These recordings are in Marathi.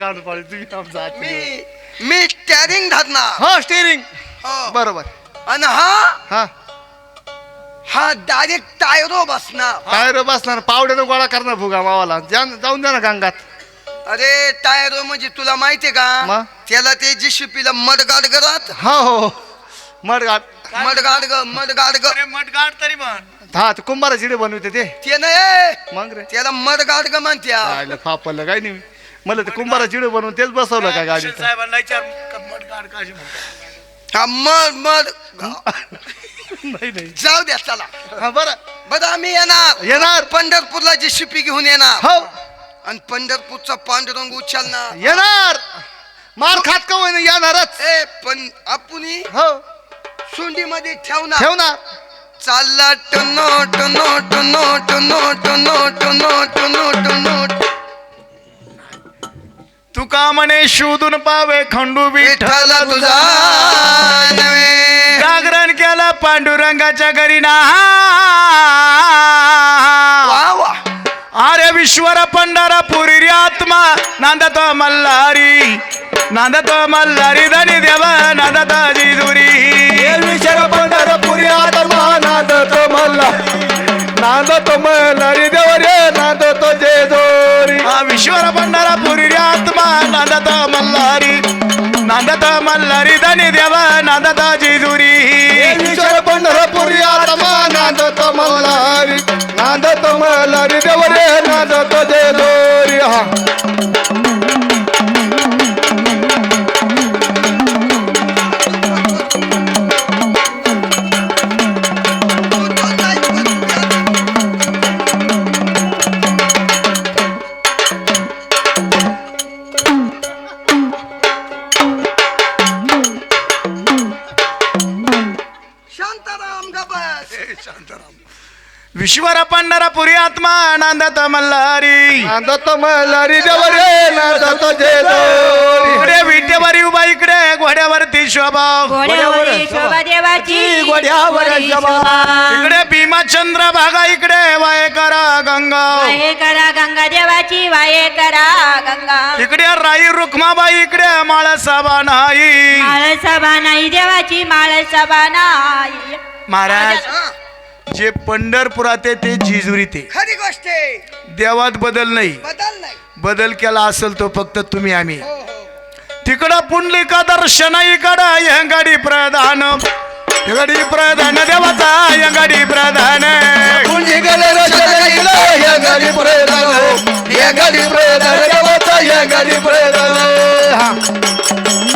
मी स्टेअरिंग धरणार. हा स्टेरिंग हो. बरोबर. आणि हा हा हा डायरेक्ट टायरो बसणार. टायर बसणार पावड्यानं गोळा करणार फुगा मावाला जाऊन द्या ना गंगात. अरे टायरो म्हणजे तुला माहितीये का मग? त्याला ते जिशिपीला मडगाड करत. हो हो मडगाड मडगाड ग मडगाड ग मटगाड तरी म्हण. हा ते कुंभारा चिडे बनवते ते नाही मग रे त्याला मडगाड ग म्हणत्या. आयला फापलं काय नाही मला ते कुंभारा चिडे बनवून तेच बसवलं का गाडीत. साहेबांना विचार मटगाड काशी म्हणतात. हा मड मड नाही नाही जाऊ द्या चला. हा बरं बरं आम्ही येणार पंढरपूरला जिशिपी घेऊन येणार. हो आणि पंढरपूरचा पांडुरंग उचलणार. येणार मार खात का होईना येणारच. ए पण आपण हो सुंडीमध्ये ठेवणार. ठेवणार चालला टनोट note note note note note note note. Tuka म्हणे शोधून पावे खंडू विठ्ठल तुझा नव्हे. जागरण केलं पांडुरंगाच्या घरी ना. वा वा अरे विश्वर पंढरपुरी रे आत्मा नांदत मल्हारी नांदत मल्हारी धनी देव नांदत जिजुरी. विश्वर पंढरपुरी आत्मा नांदतो मल्हारी देव रे नांदतो जेजोरी. विश्वर पंढरपुरी रे आत्मा नांदत मल्हारी धनी देव नांदत जिजुरी. विश्वर पंढरपुरी आत्मा नांदतो मल्हारी देव रे नांदतो जेजोरी. हा शांताराम ग बस. विश्वर पंढरपुरी आत्मा नांदत मल्हारी नांदतो मल्हारी देव रे नांदतो जेजोरी. इकडे विटेवरी उभा इकडे घोड्यावरती शोभा घोड्यावरी शोभा देवाची घोड्यावर शोभा. इकडे भीमाचंद्र भागा इकडे वाय करा गंगा. वाहे करा गंगा देवाची वाहे करा गंगा. इकडे राई रुक्माबाई इकडे माळ सभा नाही. माळ सभा नाही देवाची माळ सभा नाही. महाराज जे पंढरपुरात आहे ते जिजुरी ते खरी गोष्ट आहे. देवात बदल नाही. बदल नाही. बदल केला असेल तो फक्त तुम्ही आम्ही. हो हो तिकडं पुंडलिका दर्शन इकडं यंगाडी प्रधान यंगाडी प्रधान देवाचा यंगाडी प्रधान. कुंजी गेले रचना इकडे या गाडी प्रधान या गाडी प्रधान देवाचा या गाडी प्रधान. हा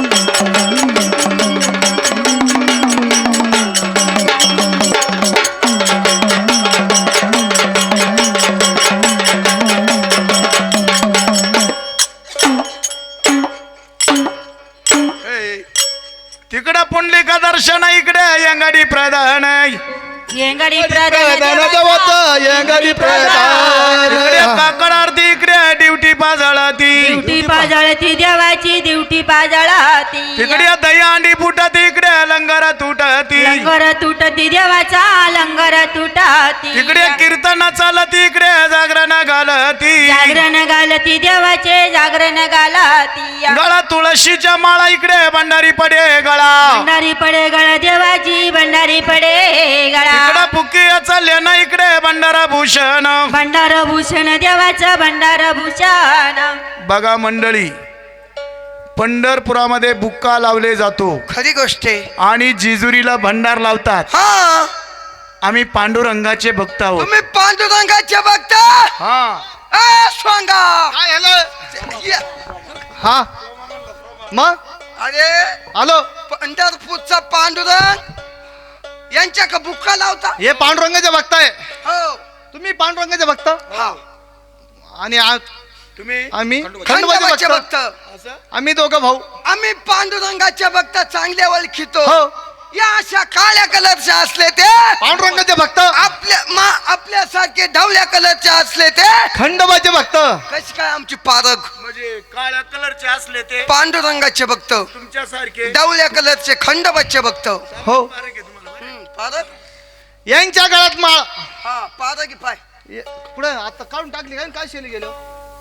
तिकडं पुंडलिका दर्शन इकडे यंगाडी प्रधान. येंगडी प्रधान प्रधान देवाचा या गाडी प्रधान. इकडे काकड आरती इकडे ड्युटी पाजळती. दिवटी पाजळती देवाची दिवटी पाजळती. तिकडे दहीहंडी फुटत इकडे लंगर तुटती. लंगर तुटती देवाचा लंगर तुटती. तिकडे कीर्तन चालत इकडे जागरण घालती. जागरण घालती देवाचे जागरण घालती. गळा तुळशीच्या माळा इकडे भंडारी पडे गळा. भंडारी पडे गळा देवाची भंडारी पडे गळा. इकडे बुकी चालले ना इकडे भंडारा भूषण. भंडार भूषण देवाचं भंडार भूषण. बघा मंडळी पंढरपुरामध्ये बुक्का लावले जातो खरी गोष्ट आहे. आणि जिजुरीला भंडार लावतात. हा आम्ही पांडुरंगाचे भक्त आहोत. तुम्ही पांडुरंगाच्या बघता. हा स्वांगा काय झालं? या. हा मग अरे आलो. पंढरपूरचा पांडुरंग यांच्या का बुक्का लावता. हे पांडुरंगाचे भक्त आहे. हो तुम्ही पांडुरंगाचे भक्त हा आणि तुम्ही आम्ही खंडोबाचे खंडोबाचे भक्त. भक्त. आम्ही दोघं भाऊ. आम्ही पांडुरंगाच्या भक्त चांगल्या ओळखीतो. हो या अशा काळ्या कलरचे असले ते पांडुरंगाचे भक्त. आपल्यासारखे ढवळ्या कलरचे असले ते खंडोबाचे भक्त. कशी काय आमची पारख. म्हणजे काळ्या कलरचे असले ते पांडुरंगाचे भक्त तुमच्यासारखे ढवळ्या कलरचे खंडोबाचे भक्त. हो पारख. यांच्या गळ्यात माळ. हा पारख पाय. पुढे आता काढून टाकली काय काय शेली गेलो.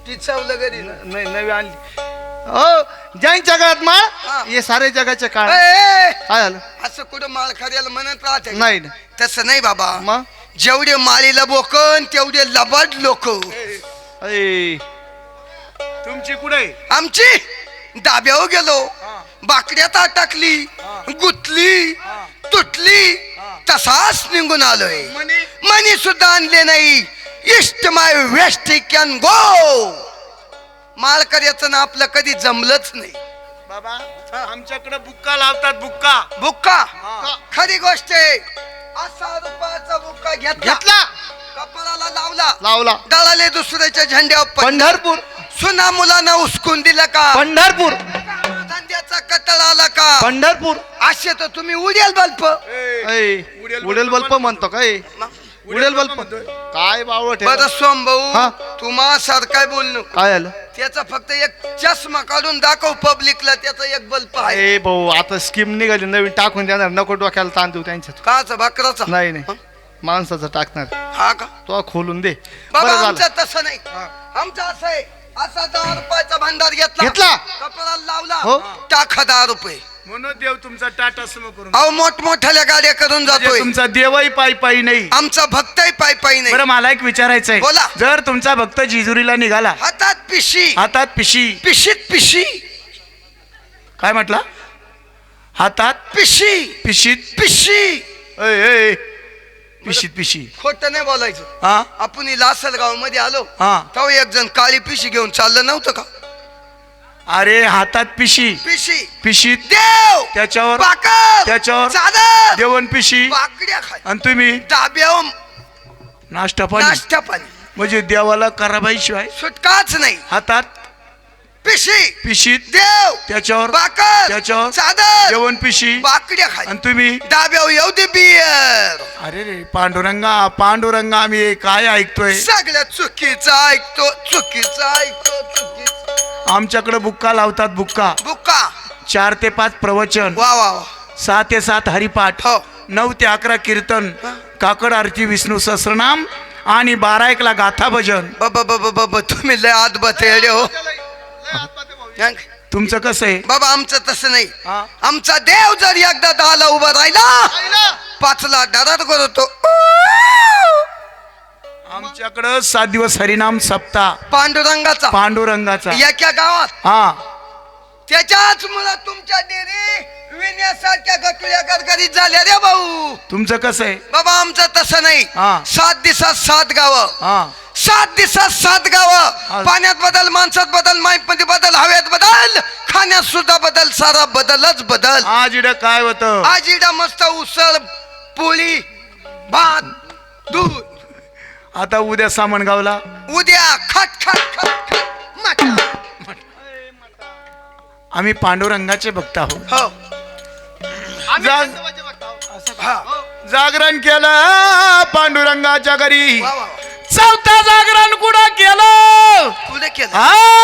ती चवलं घरी ना. नाही नवी आणली हो ज्यांच्या जगात माळ हा. हे सारे जगाचे काळ ए, काय झालं असं कुठं माळ खऱ्याला म्हणत राहते का? नाही ना. तसं नाही बाबा. मग जेवढे माळीला बोकन तेवढे लबाड लोक. ऐ, तुमची कुठे आमची डाब्यावर गेलो, बाकड्यात टाकली, गुतली, तुटली, तसाच निघून आलोय. मनी सुद्धा आणले नाही. इष्ट माय वेस्ट कॅन गो. माळकऱ्याचं ना आपलं कधी जमलंच नाही बाबा. आमच्याकडे बुक्का लावतात बुक्का. बुक्का खरी गोष्ट आहे. असा रुपयाचा बुक्का घेतला, कपाळाला लावला, लावला दळाले दुसऱ्याच्या झेंड्यावर पंढरपूर सुना मुलांना उचकून दिलं का? पंढरपूर धंद्याचा कटळ आला का? पंढरपूर असे तर तुम्ही उडेल बल्प. उडेल बल्प म्हणतो काय उडेल बल्प काय बावट बरं सोम हा. भाऊ, तुम्हा सारखं बोल नको. काय झालं त्याचा फक्त एक चष्मा काढून दाखव पब्लिकला, त्याचा एक बल्ब आहे. ए भाऊ आता स्कीम निघाली नवीन टाकून देणार नको डोक्याला ताण देऊ त्यांच्यात काचा भाकराचा? नाही नाही माणसाचं टाकणार हा का तो खोलून दे बाबा? बरं झालं आमचं तसं नाही. आमचं असं आहे, असा 10 रुपयाचा भांडार घेतला, घेतला. कपड्याला लावला, हो. टाका 10 रुपये. म्हणून देव तुमचा टाटा समो करून अहो मोठमोठ्या गाड्या करून जातोय. तुमचा देवही पायी पायी नाही. आमचा भक्तही पायी पायी नाही. बरं मला एक विचारायचंय बोला. जर तुमचा भक्त जिजुरीला निघाला हातात पिशी, हातात पिशी पिशीत पिशी, काय म्हटला हातात पिशी पिशीत पिशी. पिशीत पिशी खोट नाही बोलायचं. हा आपण लासलगाव मध्ये आलो, हा तेव्हा एक जण काळी पिशी घेऊन चाललं नव्हतं का? अरे हातात पिशी पिशी पिशीत देव, त्याच्यावर बाकर, त्याच्यावर चादर, जेवण पिशी बाकड्या खाय, आणि तुम्ही डाब्यावर नाश्ता पाणी नाश्ता पाणी. म्हणजे देवाला कराबाई शिवाय सुटकाच नाही. हातात पिशी पिशीत देव, त्याच्यावर बाकर, त्याच्यावर चादर, जेवण पिशी बाकड्या खाय, आणि तुम्ही डाब्यावर येऊ दे बियर. अरे रे पांडुरंगा पांडुरंगा आम्ही हे काय ऐकतोय सगळ्या चुकीचं ऐकतो, चुकीचं ऐकतो, चुकीचं. आमच्याकडे बुक्का लावतात बुक्का बुक्का 4 ते 5 प्रवचन वा वा वा. 6 ते 7 हरिपाठ हो. 9 ते 11 कीर्तन काकड आरती विष्णू सहस्रनाम आणि 12-1 ला गाथा भजन. बाबा तुम्ही लय आत बतेडे हो. तुमचं कसं आहे बाबा आमचं तसं नाही. हा? आमचा देव जर एकदा 10ला उभा राहिला 5ला डरार करतो. आमच्याकडं 7 दिवस हरिनाम सप्ताह पांडुरंगाचा पांडुरंगाचा एका गावात. हा त्याच्याच मुळे तुमच्या डेरी विण्यासारख्या गटुल्या गरगरीत झाल्या रे भाऊ. तुमचं कसं आहे बाबा आमचं तसं नाही. हा. 7 दिवसात 7 गावं, हा 7 दिवसात 7 गावं. पाण्यात बदल, माणसात बदल, माईमध्ये बदल, हवेत बदल, खाण्यात सुद्धा बदल, सारा बदलच बदल. आज इकडं काय होतं आज इडा मस्त उसळ, पोळी, भात, दूध. आता उद्या सामनगावला उद्या खट खट खट खट मटण. आम्ही पांडुरंगाचे भक्त आहोत. हो हा. जागरण केलं पांडुरंगाच्या घरी. वा वा. 4था जागरण कुठं केलं पुढे केलं.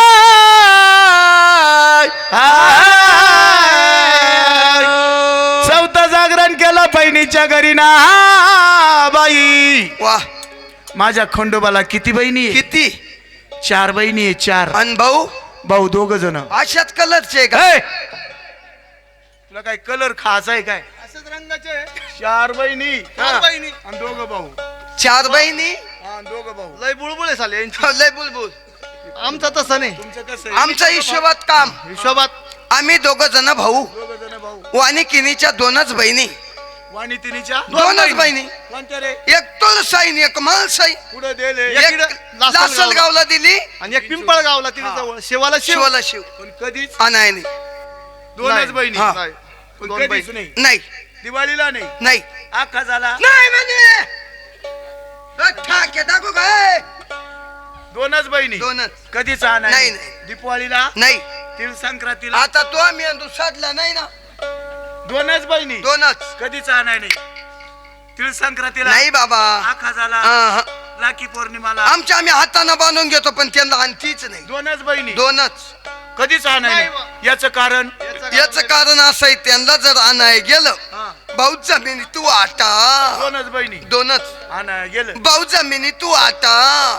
चौथा जागरण केलं बहिणीच्या घरी ना बाई. वा. माझ्या खंडोबाला किती बहिणी आहे? किती? 4 बहिणी आहे 4 अन भाऊ भाऊ 2 जण. अशाच कलरचे का? तुला काय कलर खायचा आहे काय? असंच रंगाचे 4 बहिणी आणि 2 भाऊ. 4 बहिणी 2 भाऊ. लय बुळबुळे झाले यांची. लय बुलबुल. आमचं तसं नाही. तुमचं कसं आहे? आमच्या हिशोबात काम. हिशोबात आम्ही 2 जण भाऊ. 2 जण भाऊ. वानिकिनीच्या 2च बहिणी. वाणी तिनीच्या 2च बहिणी. कोणत्या रे? एक तुळसाईन, एक माळसाई. पुढे दिले एक लासलगावला दिली, आणि एक पिंपळ गावला तिथे जवळ शेवाला शिवाला शिव. पण कधीच नाही 2च बहिणी. हा. नाही. पण 2 कधीच बहिणी. नाही. नाही दिवाळीला नाही. नाही आखा झाला नाही म्हणे. ठाके दाखवू काय? 2च बहिणी. 2च. कधीच नाही, नाही. नाही. दिवाळीला नाही. तिळ संक्रांतीला आता तो मेंदू साधला नाही ना. 2च बहिणी. 2च. कधीच आणाय नाही. तिळ संक्रांतीला नाही बाबा. आखा झाला हा. लाकी पौर्णिमाला आमच्या आम्ही हाताने बांधून घेतो, पण त्यांना आणतीच नाही. 2च बहिणी. 2च. कधीच आणाय नाही नाही. याचं कारण याच कारण असं आहे, त्यांना जर आणाय गेलं हा. भाऊ जमिनी तू आटा. 2च बहिणी. 2च. आणाय गेलं भाऊ जमिनी तू आटा.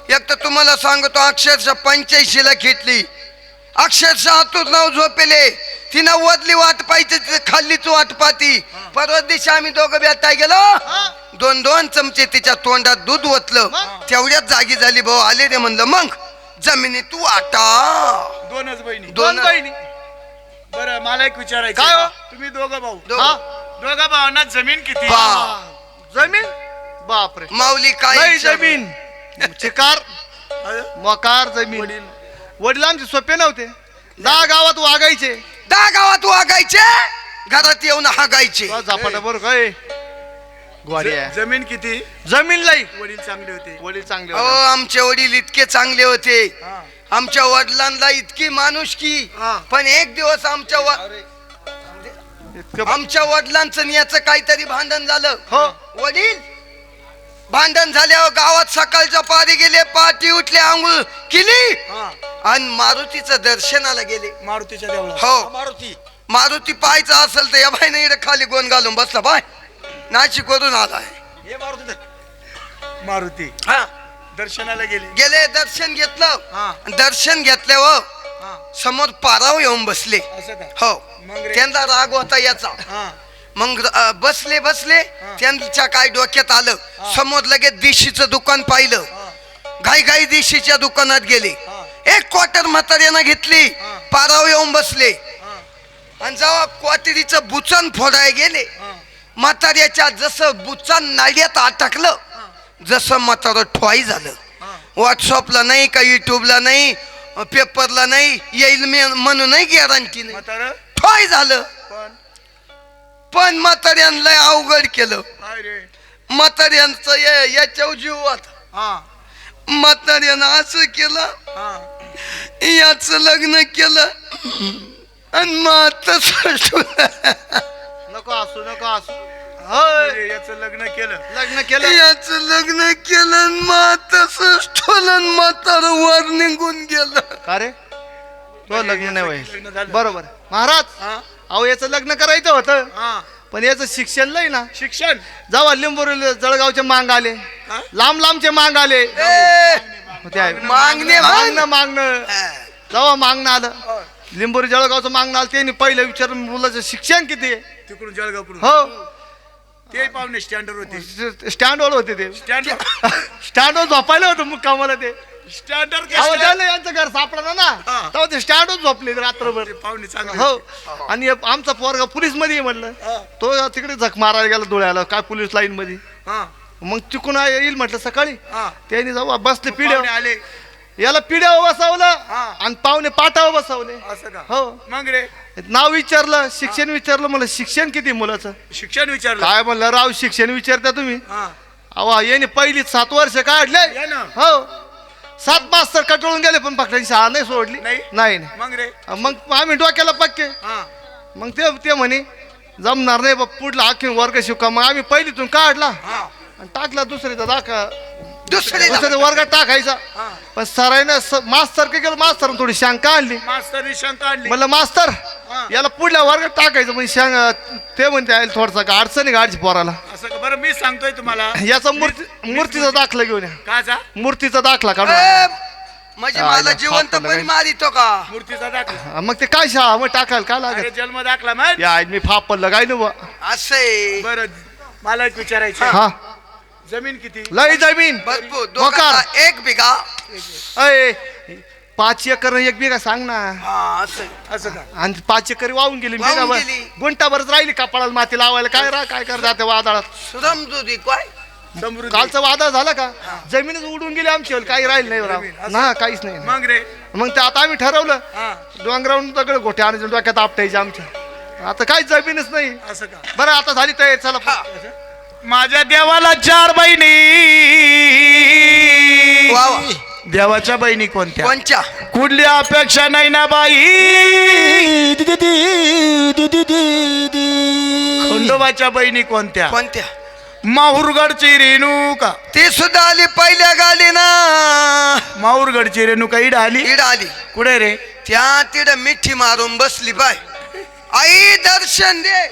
एक तर तुम्हाला सांगतो अक्षरशः 85 ला घेतली, अक्षरशः हातून नाव झोपेले, तिनं वदली वाट पाहिजे खाल्लीच वाट पाती. परवा दिवशी आम्ही दोघं भेटाय गेलो, 2-2 चमचे तिच्या तोंडात दूध ओतलं, तेवढ्याच जागी झाली. भाऊ आले रे म्हणलं, मग जमिनी तू आटा. दोनच बहिणी. दोन बहिणी. बरं मला एक विचारायचं काय हो? आहे. तुम्ही दोघं भाऊ, दोघं. दोघा भावांना जमीन किती? पा. जमीन बापरे माऊली काय नाही विचारू? जमीन चिकार मकार जमीन. वडिलांचे सोपे नव्हते, 10 गावात वागायचे, 10 गावात वागायचे, घरात येऊन हागायचे. झापाटा बरोबर काय ग्वारी आहे. जमीन किती? जमीन लाई वडील चांगले होते. वडील चांगले अहो होते. आमचे वडील इतके चांगले होते, हा. आमच्या वडिलांना इतकी माणुसकी. हा. पण एक दिवस आमच्या इतकं आमच्या वडिलांचं आणि याचं काहीतरी भांडण झालं. हो वडील भांडण झाल्यावर गावात सकाळच्या पारी गेले, पहाटे उठले, आंघोळ केली हा. आणि मारुतीचं दर्शनाला गेले. मारुतीच्या देवळात. हो, मारुती. मारुती पाहायचा असेल तर या बाईने इकडे खाली गोंद घालून बसला, बाय नाशिक वरून आलाय. हे मारुती. मारुती हा, दर्शनाला गेले. गेले, दर्शन घेतलं. हा. दर्शन घेतल्यावर हा. समोर पाराव येऊन बसले. असं का? हो, मग रे? त्यांचा राग होता याचा. हा. मग बसले त्यांच्या काय डोक्यात आलं, समोर लगेच देशीचं दुकान पाहिलं. घाई घाई देशीच्या दुकानात गेले, 1 क्वार्टर म्हाताऱ्यानं घेतली, पाराव येऊन बसले. आणि जेव्हा क्वार्टरीचं बुचन फोडाय गेले, म्हाताऱ्याच्या जसं बुचन नाल्यात अटकलं, जसं म्हातारं ठोई झालं. व्हॉट्सअपला नाही का, युट्यूबला नाही, पेपरला नाही, येईल म्हणूनही गॅरंटी नाही, म्हातारं ठोई झालं. पण म्हाताऱ्यांना अवघड केलं. काय रे? म्हाताऱ्यांचं याच्यावर जीव होता. हा. म्हाताऱ्यानं असं केलं, हा. याच लग्न केलं आणि मग नको असू नको असू. होय म्हणजे याचं लग्न केलं. लग्न केलं. याच लग्न केलं आणि मग तसंच ठोलं, म्हातार वर निघून गेलं. का रे तो लग्न नाही लग्न व्हायचं. झालं. बरोबर महाराज. हा. अहो याचं लग्न करायचं होतं, हा. पण याचं शिक्षण नाही ना. शिक्षण. जेव्हा लिंबोरी जळगावचे मांग आले, हा? लांब लांबचे मांग आले, ए, ते आहे. मागणे मागणं जेव्हा मागणं आलं, लिंबोरी जळगावचं मागणं आलं, त्यांनी पहिलं विचारलं मुलाचं शिक्षण किती आहे. तिकडून जळगावकडून. हो ते पाहुणे स्टँडर होते. स्टँडवर होते ते. स्टँडर. स्टँडवर झोपायला होतं मुक्कामाला ते. स्टँडर अहो, त्याला यांचं घर सापडलं ना, हा. तेव्हा ते स्टँडवर झोपले रात्रभर. पाहुणे चांगले हो. होते. आणि आमचा पोरगा पोलीस मध्ये म्हणलं, हा. तो तिकडे झक मारायला गेला धुळ्याला, काय पोलीस लाईन मध्ये. हा. मग तिकून येईल म्हटलं सकाळी. हा. त्यांनी जाऊ बसले पाहुणे पिढ्यावर, आले. याला पिढ्यावर बसवलं हा. आणि पाहुणे पाटावर बसवले. असं का? हो. मग रे नाव विचारलं, शिक्षण विचारलं, म्हणलं शिक्षण किती मुलाचं. शिक्षण विचारलं. काय म्हणलं, राव शिक्षण विचारता तुम्ही. हा. अहो याने पहिली 7 वर्ष काढले. या ना. हो, 7 मास्तर कटळून गेले, पण पकडायची शाळा नाही सोडली. नाही? नाही. मग रे. मग आम्ही डोक्याला पक्के. हा. मग ते म्हणे जमणार नाही बा, पुढला आखी वर्ग शिका. मग आम्ही पहिलीतून काढला हा. आणि टाकला दुसरीचा दाखा, दुसरे दुसऱ्या वर्गात टाकायचा. हा. पण सरायनं मास्तर काय केलं, मास्तर थोडी शंका आणली. मास्तरनी शंका आणली. म्हणलं मास्तर हा. याला पुढल्या वर्गात टाकायचं. म्हणजे ते म्हणते आहे थोडसा अडचणी गाडची पोराला. असं का? बरं मी सांगतोय तुम्हाला. याचा मूर्तीचा दाखला घेऊन या. काचा? मूर्तीचा दाखला काढून. म्हणजे हा, मला हा, जिवंतपणी हा, मारितो का? मूर्तीचा दाखला. हा, मग ते काय शाळा मग टाकायला काय अरे लागत. जन्म दाखला मग. या मी फापलं काय ना. असे बरं मला एक विचारायचं. हा, जमीन किती? लय जमीन भरपूर, मोकार. दोघांना 1 बिघा. अय 5 एकर 1 बिघा सांग ना. हा, असं असं का? आणि 5 एकर वाहून गेली. वाहून बिघाभर गेली. गुंटाभरच राहिली कपाळाला माती लावायला. काय कर जाते वादळात. समजुदी काय? समृद्धी. कालचं वादळ झालं का, जमीनच उडून गेली आमची, काही राहील नाही राव. जमीन, असं? ना काहीच नाही. मग रे. मग ते आता आम्ही ठरवलं, हा. डोंगरावरून दगड गोठे आणि डोक्यात आपटायचे आमच्या. आता काही जमीनच नाही. असं का? बरं आता झाली तयारी, चला. माझ्या देवाला 4 बहिणी. वा वा. देवाच्या बहिणी कोणत्या? कोणच्या? कुठली अपेक्षा नाही ना बाई. खंडोबाच्या बहिणी कोणत्या? कोणत्या? माहूरगडची रेणुका. ती सुद्धा आली पहिल्या गाडीना. माहूरगडची रेणुका इड आली. इड आली. कुठे रे? त्या तिड मिठी मारून बसली बाय. आई दर्शन दे.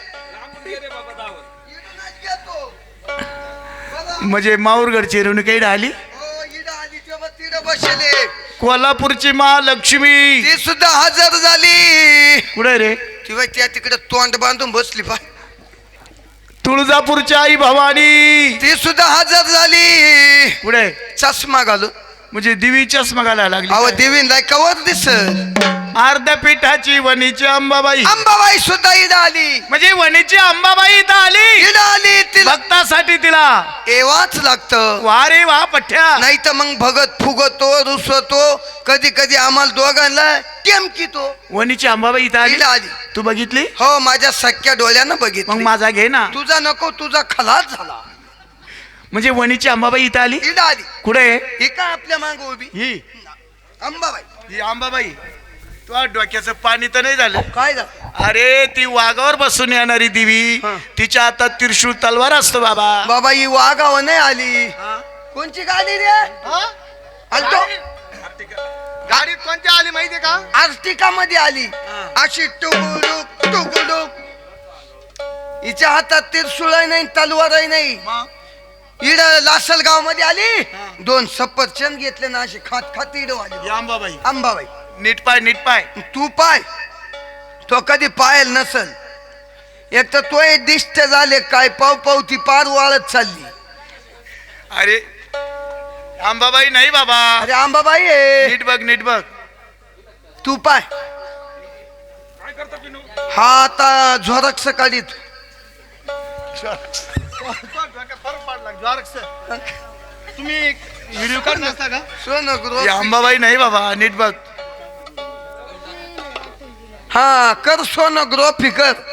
म्हणजे माहूरगडची रेणुका इड आली. हो, इड आली तेव्हा तिड इकडं बसले कोल्हापूरची महालक्ष्मी ती सुद्धा हजर झाली. कुठे रे? तेव्हा त्या तिकडे तोंड बांधून बसली पाय. तुळजापूरची आई भवानी ती सुद्धा हजर झाली. कुठे? चष्मा घालून. म्हणजे देवी चष्मा घालायला लागली अहो काय? देवींना कवर दिसत. अर्ध्या पिठाची वणीची अंबाबाई अंबाबाई सुद्धा इडं आली. म्हणजे वणीची अंबाबाई इथं आली इडं आली तिला भक्तासाठी तिला येवाच लागतं. वा रे वा पठ्या. नाही तर मग भगत फुगतो रुसतो. कधी कधी आम्हाला दोघांना टेमकीतो. वणीची अंबाबाई इथं इडं आली. आली. तू बघितली? हो माझ्या सख्या डोळ्यानं मग बघितली. माझा घे ना. तुझा नको तुझा खलास झाला. म्हणजे वणीची अंबाबाई इथं आली. इडं आली. कुठे? ही का आपल्या माग उभी ही अंबाबाई. ही अंबाबाई. तुझ्या डोक्याचं पाणी तर नाही झालं? काय झालं? अरे ती वाघावर बसून येणारी देवी हा. तिच्या हातात त्रिशूळ तलवार असतो बाबा. बाबा ही वागावं नाही आली. कोणची गाडी रे? आलतो गाडीत कोणत्या आली माहितीये का? आर्टिका मध्ये आली. अशी टुकुडुक टुकुडुक. हिच्या हातात त्रिशूळ नाही तलवारही नाही. इड लासलगाव मध्ये आली. 2 सफरचंद घेतले ना अशी खात खात इड आली ही अंबाबाई. अंबाबाई. नीट पाय नीट पाय. तू पाय तो कधी पायल नसल. एक तर तो दिष्ट झाले काय पाव पाव ती पार वाळत चालली. अरे अंबाबाई नाही बाबा. अरे अंबाबाई आहे. नीट बघ नीट बघ. तू पाय. हा आता झोरक्स काढीत. तुम्ही व्हिडिओ काढ नसता का? सोनगृह. ही अंबाबाई नाही बाबा. नीट बघ. हा कर सोनगृह फिकर.